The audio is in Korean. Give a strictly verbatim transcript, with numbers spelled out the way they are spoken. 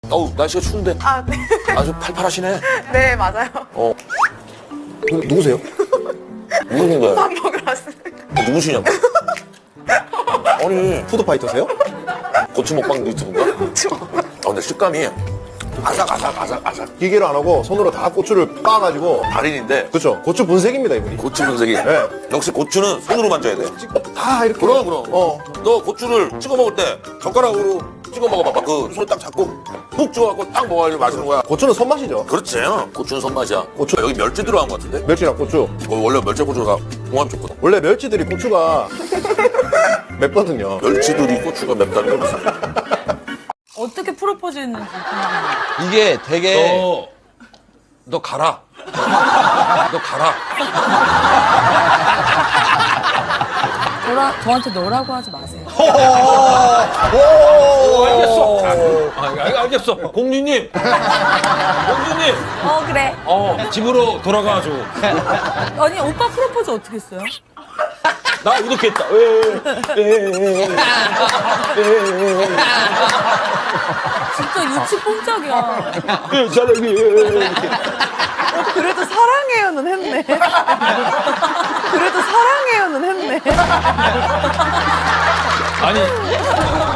어우, 날씨가 추운데 아, 네. 아주 팔팔하시네. 네, 맞아요. 어, 누, 누구세요? 누구인가요? 밥 먹으러 왔습니다. 어, 누구시냐고. 아니, 푸드파이터세요? 고추 먹방 유튜브인가? 고추 먹방. 아, 근데 식감이 아삭아삭 아삭아삭. 기계로 안 하고 손으로 다 고추를 빻아가지고. 달인인데 그렇죠. 고추 분색입니다, 이분이. 고추 분석이. 네. 역시 고추는 손으로 만져야 돼. 다 이렇게. 그럼 그럼. 어. 너 고추를 찍어 먹을 때 젓가락으로 찍어 먹어봐봐. 그 손을 딱 잡고 푹 찍어갖고 딱 먹어야 맛있는 거야. 고추는 손맛이죠. 그렇지. 고추는 손맛이야. 고추. 여기 멸치 들어간 것 같은데? 멸치랑 고추. 어, 원래 멸치 고추가 공합 좋거든. 원래 멸치들이 고추가 맵거든요. 멸치들이 고추가 맵다는 걸 무슨. 어떻게 프로포즈 했는지 궁금해요. 이게 되게 너, 너 가라. 너 가라. 저라, 저한테 너라고 하지 마세요. 알겠어. 아, 알- 알겠어. 공주님. 공주님. 어, 그래. 어, 집으로 돌아가줘. 아니, 오빠 프로포즈 어떻게 했어요? 나 이렇게 했다. 진짜 유치 뽕짝이야. 그래도 사랑해요는 했네. 그래도 사랑해요는 했네. 아니,